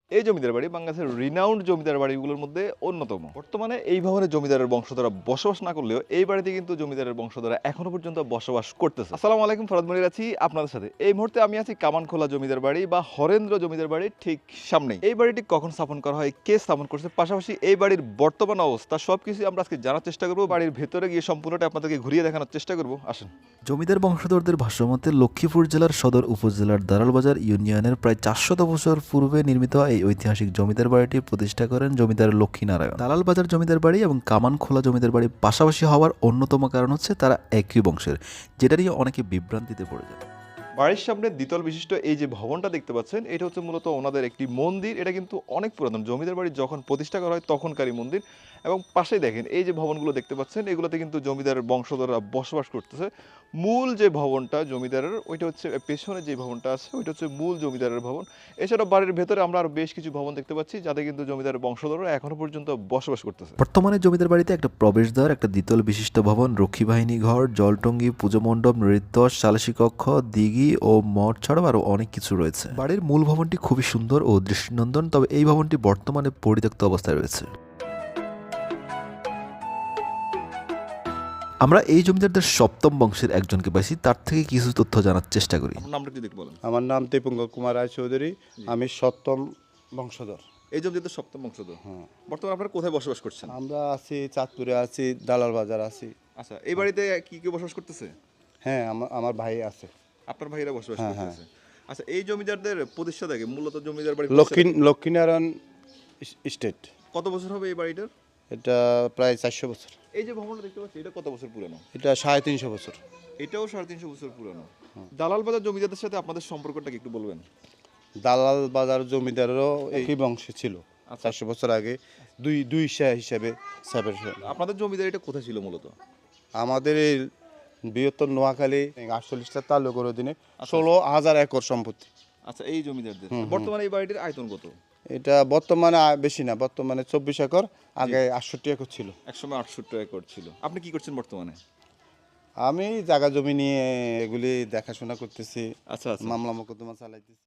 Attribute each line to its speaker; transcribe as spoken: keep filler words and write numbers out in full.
Speaker 1: এই জমিদার বাড়ি বাংলাদেশের রিনাউন্ড জমিদার বাড়িগুলোর মধ্যে অন্যতম। বর্তমানে এই ভবনে জমিদারের বংশধররা বসবাস না করলেও এই বাড়িতে কিন্তু জমিদারের বংশধররা এখনো পর্যন্ত বসবাস করতেছে। আসসালামু আলাইকুম, ফরাদ মনির আছি আপনাদের সাথে। এই মুহূর্তে আমি আছি কামানখোলা জমিদার বাড়ি বা হরেন্দ্র জমিদার বাড়ির ঠিক সামনেই। এই বাড়িটি কখন স্থাপন করা হয়, কে স্থাপন করছে, পাশাপাশি এই বাড়ির বর্তমান অবস্থা সবকিছু আমরা আজকে জানার চেষ্টা করবো। বাড়ির ভেতরে গিয়ে সম্পূর্ণটা আপনাদেরকে ঘুরিয়ে দেখানোর চেষ্টা করবো। আসেন।
Speaker 2: জমিদার বংশধরদের ভাষ্যমতে লক্ষ্মীপুর জেলার সদর উপজেলার দারালবাজার ইউনিয়নের প্রায় চারশত বছর পূর্বে নির্মিত এই ঐতিহাসিক জমিদার বাড়িটি প্রতিষ্ঠা করেন জমিদার লক্ষ্মীনারায়ণ। দালালবাজার জমিদার বাড়ি এবং কামানখোলা জমিদার বাড়ি পাশাপাশি হওয়ার অন্যতম কারণ হচ্ছে তারা একই বংশের, যেটা নিয়ে অনেকে বিভ্রান্তিতে পড়ে যায়।
Speaker 1: বাড়ির সামনে দ্বিতল বিশিষ্ট এই যে ভবনটা দেখতে পাচ্ছেন, এটা হচ্ছে মূলত ওনাদের একটি মন্দির। এটা কিন্তু অনেক পুরাতন, জমিদার বাড়ি যখন প্রতিষ্ঠা করা হয় তখনকারই মন্দির। এবং পাশেই দেখেন এই যে ভবনগুলো দেখতে পাচ্ছেন, এগুলোতে কিন্তু জমিদারের বংশধররা বসবাস করতেছে। মূল যে ভবনটা জমিদারের, ওইটা হচ্ছে পেছনে যে ভবনটা আছে ওইটা হচ্ছে মূল জমিদারের ভবন। এছাড়া বাড়ির ভেতরে আমরা আরো বেশ কিছু ভবন দেখতে পাচ্ছি, যাতে কিন্তু জমিদারের বংশধররা এখনো পর্যন্ত বসবাস করতেছে।
Speaker 2: বর্তমানে জমিদার বাড়িতে একটা প্রবেশদ্বার, একটা দ্বিতল বিশিষ্ট ভবন, রক্ষী বাহিনী ঘর, জলটঙ্গি, পুজো মণ্ডপ, নৃত্য, সালিসি কক্ষ, দিঘি ও মঠ ছাড়াও আরো অনেক কিছু রয়েছে। বাড়ির মূল ভবনটি খুবই সুন্দর ও দৃষ্টিনন্দন, তবে এই ভবনটি বর্তমানে পরিত্যক্ত অবস্থায় রয়েছে। আমরা এই জমিদারদের সপ্তম বংশের একজনকে পাইছি, তার থেকে কিছু তথ্য জানার চেষ্টা করি।
Speaker 1: আপনার নামটা একটু দেখতে বলেন।
Speaker 3: আমার নাম দীপঙ্কর কুমার রায় চৌধুরী, আমি সপ্তম বংশধর।
Speaker 1: এই জমিদারদের সপ্তম বংশধর।
Speaker 3: হ্যাঁ,
Speaker 1: বর্তমানে আপনারা কোথায় বসবাস করছেন?
Speaker 3: আমরা আছি চাঁদপুরে, আছি দালাল বাজার আছি।
Speaker 1: আচ্ছা, এই বাড়িতে কি কেউ বসবাস করতেছে?
Speaker 3: হ্যাঁ, আমার আমার ভাই আছে।
Speaker 1: আপনার ভাইরা বসবাস
Speaker 3: হ্যাঁ,
Speaker 1: করতেছে। আচ্ছা, এই জমিদারদের প্রতিষ্ঠা থেকে মূলত জমিদার বাড়ি
Speaker 3: লক্ষ্মী লক্ষ্মীনারায়ণ স্টেট।
Speaker 1: কত বছর হবে এই বাড়িটার?
Speaker 3: এটা প্রায় চারশো বছর।
Speaker 1: এই যে ভবনটা দেখতে পাচ্ছি, এটা কত বছর পুরানো?
Speaker 3: এটা সাড়ে তিনশো বছর।
Speaker 1: এটাও সাড়ে তিনশো বছর পুরানো। দালাল বাজার জমিদারদের সাথে আপনাদের সম্পর্কটা কি একটু বলবেন?
Speaker 3: দালাল বাজার জমিদারেরও একই বংশে ছিল চারশো বছর আগে, দুই দুই শা হিসাবে সেপারেশন।
Speaker 1: আপনাদের জমিদার এটা কোথায় ছিল মূলত?
Speaker 3: আমাদের এই বৃহত্তর নোয়াখালী আটচল্লিশটা তালুকের অধীনে ষোলো হাজার একর সম্পত্তি।
Speaker 1: আচ্ছা, এই জমিদারদের বর্তমানে এই বাড়িটির আয়তন কত?
Speaker 3: এটা বর্তমানে আ- বেশি না, বর্তমানে চব্বিশ একর, আগে আটষট্টি একর ছিল।
Speaker 1: একসময় আটষট্টি একর ছিল। আপনি কি করছেন বর্তমানে?
Speaker 3: আমি জায়গা জমি নিয়ে এগুলি দেখাশোনা করতেছি,
Speaker 1: আচ্ছা আচ্ছা।
Speaker 3: মামলা মোকদ্দমা চালাইতেছি।